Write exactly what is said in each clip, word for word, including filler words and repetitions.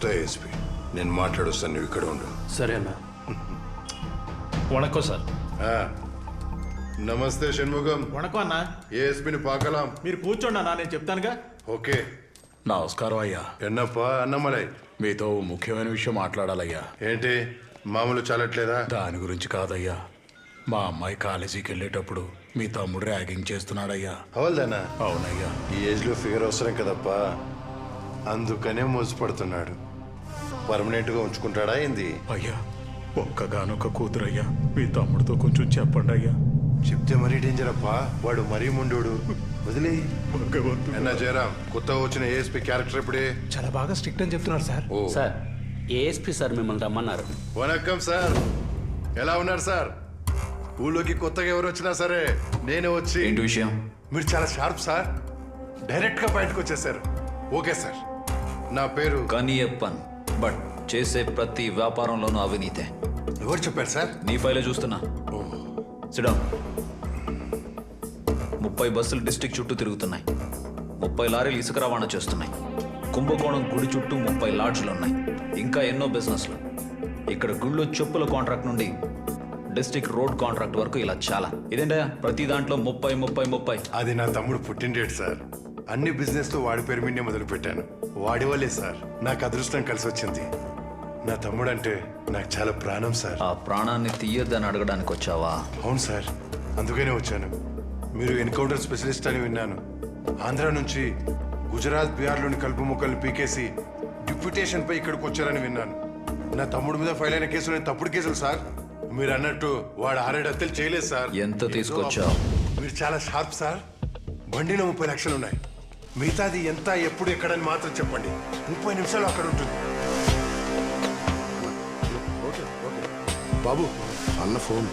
కొత్త ఏఎస్పీ. నేను మాట్లాడొస్తాను, నువ్వు ఇక్కడ ఉండు. సరే అన్న. వణకం సార్. నమస్తే షణ్ముఖం. వణకం అన్న. ఏఎస్పీని పాకలాం. మీరు కూర్చోండి అన్న, నేను చెప్తానుగా. ఓకే. నమస్కారం అయ్యా. ఎన్నప్పా అన్నమలై, మీతో ముఖ్యమైన విషయం మాట్లాడాలయ్యా. ఏంటి మామూలు చాలట్లేదా? దాని గురించి కాదయ్యా, మా అమ్మాయి కాలేజీకి వెళ్ళేటప్పుడు మీ తమ్ముడు ర్యాగింగ్ చేస్తున్నాడయ్యా. అవల్దానా? అవునయ్యా. ఈ ఏజ్ లో ఫిగర్ అవసరం కదప్పా, అందుకనే మోసపడుతున్నాడు. పర్మనెంట్ గా ఉంచుకుంటాడా ఏంది? అయ్యా, ఒక్కగానొక్క కూతురయ్యా, మీ తమ్ముడితో కొంచెం చెప్పండి అయ్యా. చెప్తే మరీ డేంజర్ అప్పా, వాడు మరీ ముండోడు. వదిలే. ఎన్నా జయరాం, కొత్తగా వచ్చిన ఏఎస్పీ క్యారెక్టర్ ఇప్పుడే చాలా బాగా స్ట్రిక్ట్ అని చెప్తున్నారు సార్. ఓ సార్, ఏఎస్పీ సార్ మిమ్మల్ని రమ్మన్నారు. వనక్కం సార్, ఎలా ఉన్నారు సార్? ఊళ్ళోకి కొత్తగా ఎవరు వచ్చినా సరే నేనే వచ్చి. ఏంటి విషయం? మీరు చాలా షార్ప్ సార్, డైరెక్ట్ గా బయటకు వచ్చేసారు. ఓకే సార్, నా పేరు కనియప్పన్, బట్ చేసే ప్రతి వ్యాపారంలోనూ అవినీతే. ఎవరు చెప్పారు సార్? నీ ఫైలే చూస్తున్నా. సిడా. ముప్పై బస్సులు డిస్ట్రిక్ట్ చుట్టూ తిరుగుతున్నాయి. ముప్పై లారీలు ఇసుక రవాణా చేస్తున్నాయి. కుంభకోణం గుడి చుట్టూ ముప్పై లాడ్జ్లు ఉన్నాయి. ఇంకా ఎన్నో బిజినెస్లు. ఇక్కడ గుళ్ళో చెప్పుల కాంట్రాక్ట్ నుండి డిస్ట్రిక్ట్ రోడ్ కాంట్రాక్ట్ వరకు ఇలా చాలా. ఇదేంటయ్యా ప్రతి దాంట్లో ముప్పై ముప్పై ముప్పై? అది నా తమ్ముడు పుట్టినడేట్ సార్. అన్ని బిజినెస్ తో వాడి పేరు మీదే మొదలు పెట్టాను. వాడి వల్లే సార్ నాకు అదృష్టం కలిసి వచ్చింది. నా తమ్ముడు అంటే నాకు చాలా ప్రాణం సార్. ఆ ప్రాణాన్ని తీయొద్దని అడగడానికి వచ్చావా? అవును సార్, అందుకనే వచ్చాను. మీరు ఎన్కౌంటర్ స్పెషలిస్ట్ అని విన్నాను. ఆంధ్ర నుంచి గుజరాత్, బీహార్లోని కలుపు మొక్కల్ని పీకేసి డిప్యూటేషన్ పై ఇక్కడికి వచ్చారని విన్నాను. నా తమ్ముడు మీద ఫైల్ అయిన కేసులు తప్పుడు కేసులు సార్. మీరు అన్నట్టు వాడు ఆరేడు హత్యలు చేయలేదు సార్. ఎంత తీసుకొచ్చావు? మీరు చాలా షార్ప్ సార్. బండిలో ముప్పై లక్షలు ఉన్నాయి. మిగతాది ఎంత, ఎప్పుడు, ఎక్కడని మాత్రం చెప్పండి. ముప్పై నిమిషాలు అక్కడ ఉంటుంది. బాబు, అన్న ఫోన్.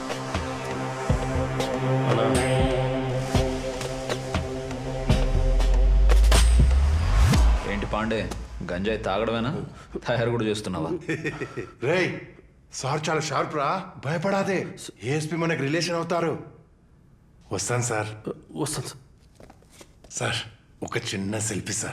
ఏంటి పాండే, గంజాయి తాగడమేనా, తయారు కూడా చేస్తున్నావా? రేయ్ సార్ చాలా షార్ప్ రా, భయపడాదే. ఏఎస్పీ మనకు రిలేషన్ అవుతారు. వస్తాను సార్. వస్తాను సార్. సార్ ఒక చిన్న సెల్ఫీ సార్.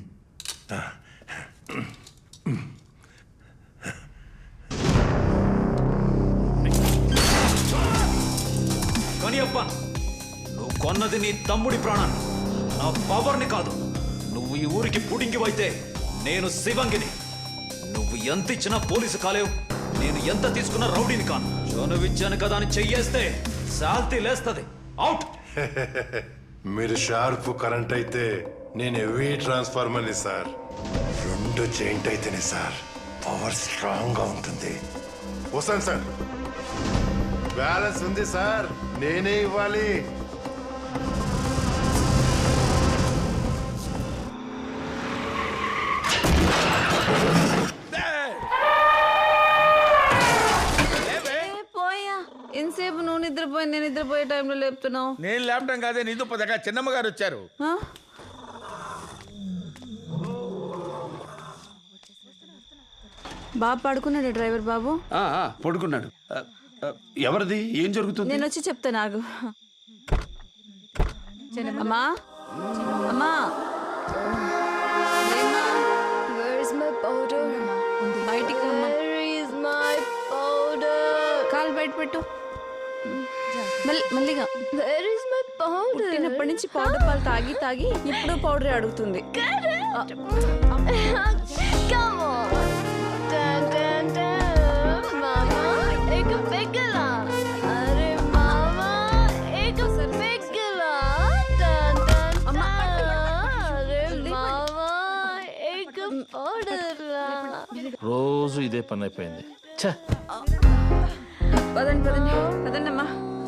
కనియప్ప, నువ్వు కొన్నది నీ తమ్ముడి ప్రాణాన్ని, నా పవర్ని కాదు. నువ్వు ఈ ఊరికి పుడింగివైతే నేను శివంగిని. నువ్వు ఎంత ఇచ్చినా పోలీసు కాలేవు, నేను ఎంత తీసుకున్నా రౌడీని కాను. చనువిచ్చాను కదా అని చెయ్యేస్తే శాల్తీ లేస్తుంది. అవుట్. మీరు షార్ప్ కరెంట్ అయితే నేను హెవీ ట్రాన్స్ఫార్మర్ని సార్. రెండు జాయింట్ అయితేనే సార్ పవర్ స్ట్రాంగ్ గా ఉంటుంది. వస్తాను సార్. బ్యాలెన్స్ ఉంది సార్, నేనే ఇవ్వాలి. ఎంతసేపు నువ్వు నిద్రపోయి నేను నిద్రపోయే టైంలో లేపుతున్నావు? నేను లేపటం కాదే, నీతో పదగా చిన్నమ్మ గారు వచ్చారు. బాబు పడుకున్నాడు డ్రైవర్ బాబు? పడుకున్నాడు. ఎవరిది, ఏం జరుగుతుంది? నేను వచ్చి చెప్తా. నాకు అమ్మా అమ్మా బయటికి కాలు బయట పెట్టు. మళ్ళీగా పుట్టినప్పటి నుంచి పౌడర్ పాలు తాగి తాగి ఇప్పుడు పౌడర్ అడుగుతుంది. రోజు ఇదే పని అయిపోయింది. పదండి పదండి పదండి అమ్మా.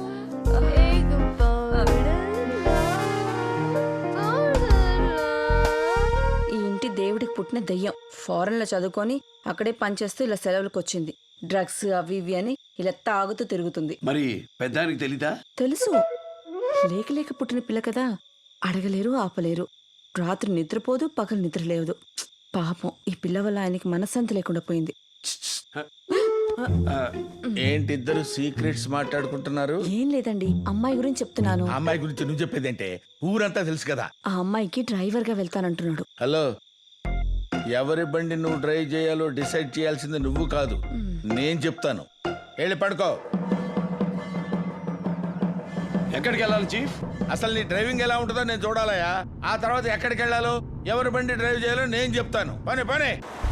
ఈ ఇంటి దేవుడికి పుట్టిన దెయ్యం. ఫారెన్ లో చదువుకొని అక్కడే పనిచేస్తూ ఇలా సెలవులకు వచ్చింది. డ్రగ్స్ అవి ఇవి అని ఇలా తాగుతూ తిరుగుతుంది. మరి పెద్దానికి తెలీదా? తెలుసు, లేక లేక పుట్టిన పిల్ల కదా, అడగలేరు ఆపలేరు. రాత్రి నిద్రపోదు, పగలు నిద్ర లేదు. పాపం ఈ పిల్ల వల్ల ఆయనకి మనశ్శాంతి లేకుండా పోయింది. ఏంటి ఇద్దరు సీక్రెట్స్ మాట్లాడుకుంటున్నారు? ఏం లేదండి, అమ్మాయి గురించి చెప్తున్నాను. అమ్మాయి గురించి నువ్వు చెప్పేదేంటే? ఊరంతా తెలుసు కదా. ఆ అమ్మాయికి డ్రైవర్ గా వెళ్తానంటున్నాడు. హలో, ఎవరి బండి నువ్వు డ్రైవ్ చేయాలో డిసైడ్ చేయాల్సింది నువ్వు కాదు, నేను చెప్తాను. వెళ్ళి పడుకో. ఎక్కడికి వెళ్ళాలి చీఫ్? అసలు నీ డ్రైవింగ్ ఎలా ఉంటుందో నేను చూడాలయా. ఆ తర్వాత ఎక్కడికి వెళ్ళాలో ఎవరి బండి డ్రైవ్ చేయాలో నేను చెప్తాను. పని పని.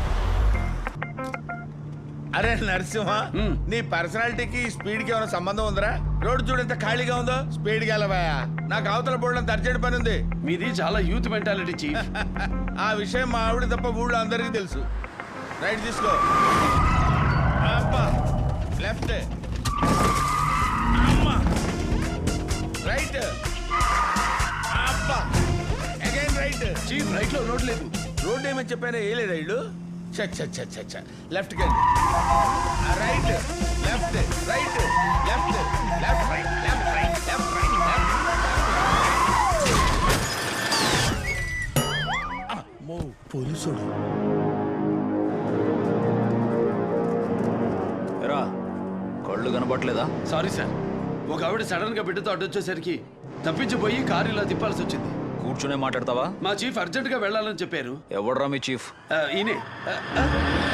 అరే నరసింహ, నీ పర్సనాలిటీకి స్పీడ్ కి ఏమైనా సంబంధం ఉందిరా? రోడ్డు చూడు ఎంత ఖాళీగా ఉందో. స్పీడ్ కి వెళ్ళవా? నాకు అవతల పోవడం అర్జెంట్ పని ఉంది. మీది చాలా యూత్ మెంటాలిటీ చీఫ్. ఆ విషయం మా ఆవిడ తప్ప ఊళ్ళో అందరికీ తెలుసు. రైట్ తీసుకో. అబ్బా, లెఫ్ట్, అమ్మా, రైట్, అబ్బా, అగైన్ రైట్. చీఫ్ రైట్ లో రోడ్ లేదు. రోడ్ ఏమని చెప్పాను, ఏ లేదా ఇల్లు? లెఫ్ట్ కి right, left, right, left, left, right, left, right, left, right, left. అమ్మో, పోలీసుడు. ఎరా కళ్ళు కనబట్లేదా? సారీ సార్, ఒక ఆవిడ సడన్ గా బిడ్డతో అడ్డొచ్చేసరికి తప్పించిపోయి కారు ఇలా తిప్పాల్సి వచ్చింది. కూర్చునే మాట్లాడతావా? మా చీఫ్ అర్జెంట్ గా వెళ్ళాలని చెప్పారు. ఎవడ్రా మీ చీఫ్? ఆ, ఈయనే. ఆ, ఆ.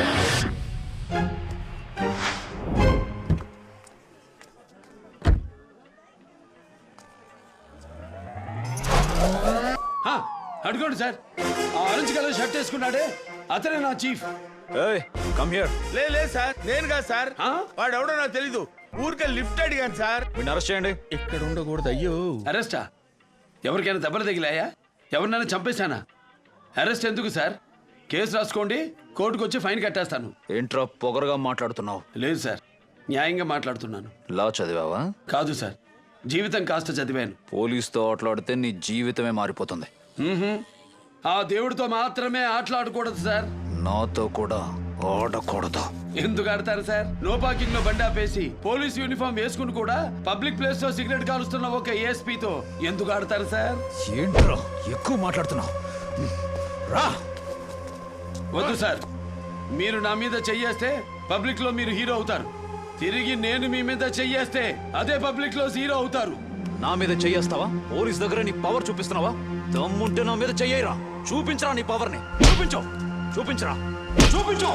ఆ, అడుకోండి సార్, ఆ ఆరెంజ్ కలర్ షర్ట్ వేసుకున్నాడే అతనే నా చీఫ్. ఏయ్ కమ్ హియర్. లే లే సార్, నేను కాదు సార్. ఆ? వాడు ఎవడో నాకు తెలీదు. ఊరికే లిఫ్ట్ అడిగాను సార్. వీడిని అరెస్ట్ చేయండి. ఇక్కడ ఉండకూడదు. అయ్యో, అరెస్టా? ఎవరికైనా దెబ్బలు తగిలాయా? ఎవరినైనా చంపేశానా? అరెస్ట్ ఎందుకు సార్? కేసు రాసుకోండి, కోర్టుకు వచ్చి ఫైన్ కట్టేస్తాను. ఏంట్రా పొగరుగా మాట్లాడుతున్నావు? లేదు సార్, న్యాయంగా మాట్లాడుతున్నాను. లా చదివావా? కాదు సార్, జీవితం కాస్త చదివాను. పోలీసుతో ఆటలాడితే నీ జీవితమే మారిపోతుంది. మ్మ్హ్మ్. ఆ దేవుడితో మాత్రమే ఆటలాడకూడదు సార్. నాతో కూడా ఆడకూడదు. ఎందుకు ఆడతారు సార్? నో పార్కింగ్ లో బండి ఆపేసి పోలీస్ యూనిఫామ్ వేసుకుని కూడా పబ్లిక్ ప్లేస్ లో సిగరెట్ కాలుస్తున్న ఒక ఏఎస్పీతో ఎందుకు ఆడతారు సార్? ఏంట్రా ఎక్కువ మాట్లాడుతున్నావు? రా. వద్దు సార్, మీరు నా మీద చెయ్యేస్తే పబ్లిక్ లో మీరు హీరో అవుతారు. తిరిగి నేను మీ మీద చెయ్యేస్తే అదే పబ్లిక్ లో హీరో అవుతారు. నా మీద చెయ్యేస్తావా? పోలీస్ దగ్గర నీ పవర్ చూపిస్తున్నావా? దమ్ముంటే నా మీద చెయ్యరా. చూపించరా నీ పవర్ ని. చూపించు, చూపించరా, చూపించు.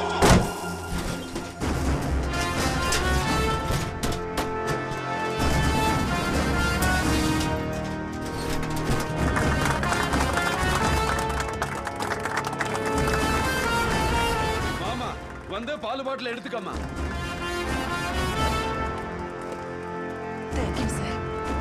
மாமா வந்து பால் பாட்டில் எடுத்துக்கம்மா. Thank you sir.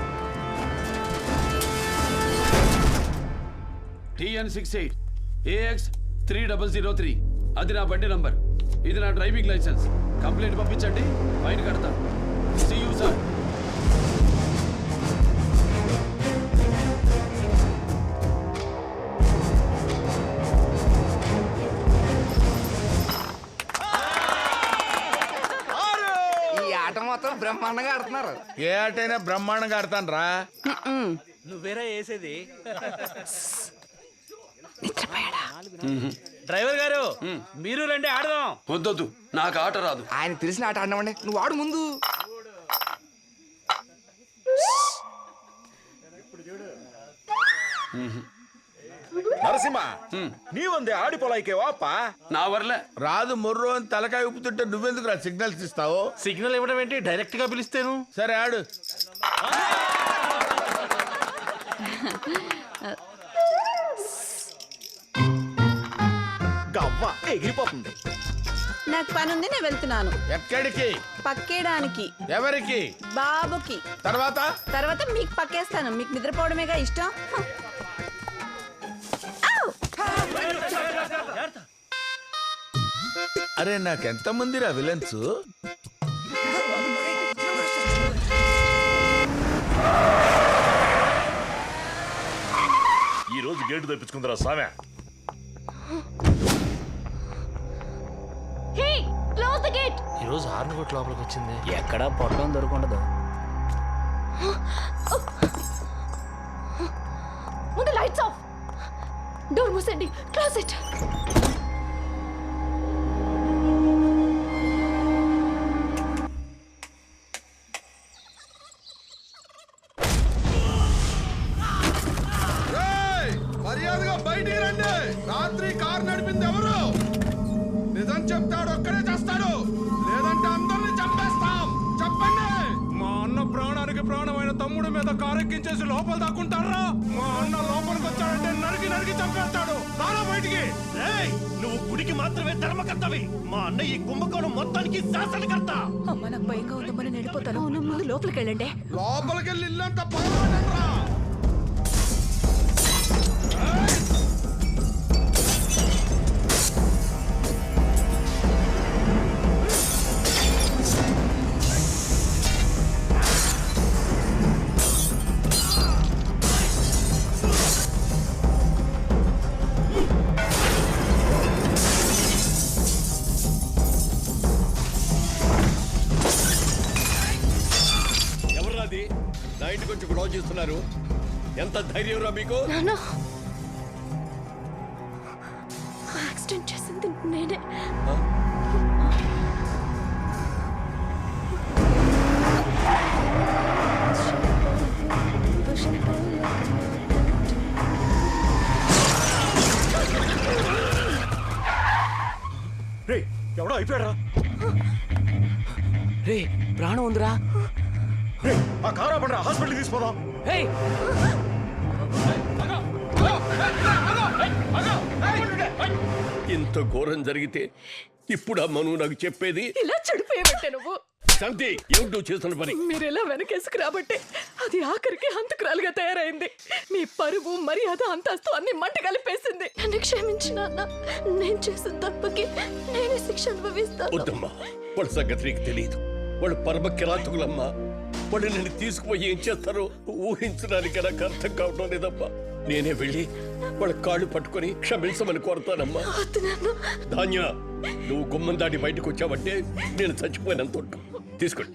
TN six eight AX three double zero three అది నా బండి నంబర్. ఇది నా డ్రైవింగ్ లైసెన్స్. కంప్లైంట్ పంపించండి, ఫైన్ కడతాను. See you sir. ఈ ఆట మాత్రం బ్రహ్మాండంగా ఆడుతున్నారు. ఏ ఆటైనా బ్రహ్మాండంగా ఆడతాను రా. నువ్వేరా వేసేది? డ్రైవర్ గారు మీరు రండి ఆడదాం. వద్దొద్దు, నాకు ఆట రాదు. ఆయన తెలిసిన ఆట ఆడినామండి, నువ్వు ఆడు ముందు. నరసింహ, నీ వందే ఆడిపోలాయికే వాపా. నా వర్లే. రాదు మొర్రో అని తలకాయ ఉప్పుతుంటే నువ్వెందుకు రా సిగ్నల్స్ ఇస్తావు? సిగ్నల్ ఇవ్వడం ఏంటి, డైరెక్ట్ గా పిలిస్తేను. సరే ఆడు. గవ్వ ఎగిరిపోతుంది. నాకు పని ఉంది, నేను వెళ్తున్నాను. ఎక్కడికి? పక్కేయడానికి. ఎవరికి? బాబుకి. తర్వాత తర్వాత మీకు పక్కేస్తాను. మీకు నిద్రపోవడమేగా ఇష్టం. హ. అరే నాకెంత మందిరా విలన్స్? ఈ రోజు గేటు తప్పించుకుందరా సామె. ఈ రోజు హార్న్ కొట్టి లోపలికి వచ్చింది. ఎక్కడా పొట్టం దొరకుండదు. ముందు లైట్స్ ఆఫ్. డోర్ మూసండి. Close it. మర్యాద మర్యాదగా బయటికి రండి. రాత్రి కారు నడిపింది ఎవరు? నిజం చెప్తాడు ఒక్కడే చేస్తాడు, లేదంటే అందరిని చంపేస్తాం. చెప్పండి. మా అన్న ప్రాణానికి ప్రాణమైన తమ్ముడు మీద కారెక్కించేసి లోపల దాక్కుంటారా? మా అన్న లోపలికి వచ్చాడంటే నరికి నరికి చంపేస్తాడు. రారా బయటికి. నువ్వు గుడికి మాత్రమే ధర్మకర్తవి, మా అన్న ఈ కుంభకోణం మొత్తానికి శాసనకర్త. అమ్మ నాకు భయంగా ఉందమ్మా, నేను వెళ్ళిపోతాను. అవును, ముందు లోపలికి వెళ్ళండి. లోపలికి వెళ్ళి ఇల్లంతా పగలగొట్టండిరా. ఎవరాది నా ఇంటికి వచ్చి గొడవ చేస్తున్నారు? ఎంత ధైర్యం రా మీకు? నాన్న, యాక్సిడెంట్ చేసింది నేనే. రే ఎవడో అయిపోయారా? రే ప్రాణం ఉందిరా. రే ఆ కారా పండ్రా, హాస్పిటల్ తీసుకోదాం. హే ఇంత ఘోరం జరిగితే ఇప్పుడు ఆ మనువు నాకు చెప్పేది? ఇలా చెడిపోయబట్టే నువ్వు. శాంతి, ఏమిటి నువ్వు చేస్తున్న పని? మీరు ఎలా వెనకేసుకు రాబట్టే అది ఆఖరికి హంతకురాలుగా తయారైంది. మీ పరువు, మర్యాద, అంతస్తు అన్ని మంట కలిపేసింది. నన్ను క్షమించిన అన్న, నేను చేసిన తప్పుకి నేనే శిక్ష అనుభవిస్తాను. వద్దమ్మా, వాళ్ళ సంగతి నీకు తెలియదు. వాళ్ళు పరమ కిరాతకులమ్మా. వాళ్ళు నేను తీసుకుపోయి ఏం చేస్తారో ఊహించడానికి నాకు అర్థం కావడం లేదమ్మా. నేనే వెళ్ళి వాళ్ళ కాళ్ళు పట్టుకొని క్షమించమని కోరతానమ్మా. వద్దు నాన్న. ధాన్య, నువ్వు గుమ్మం దాటి బయటకు వచ్చావంటే నేను చచ్చిపోయినంత తీసుకోండి.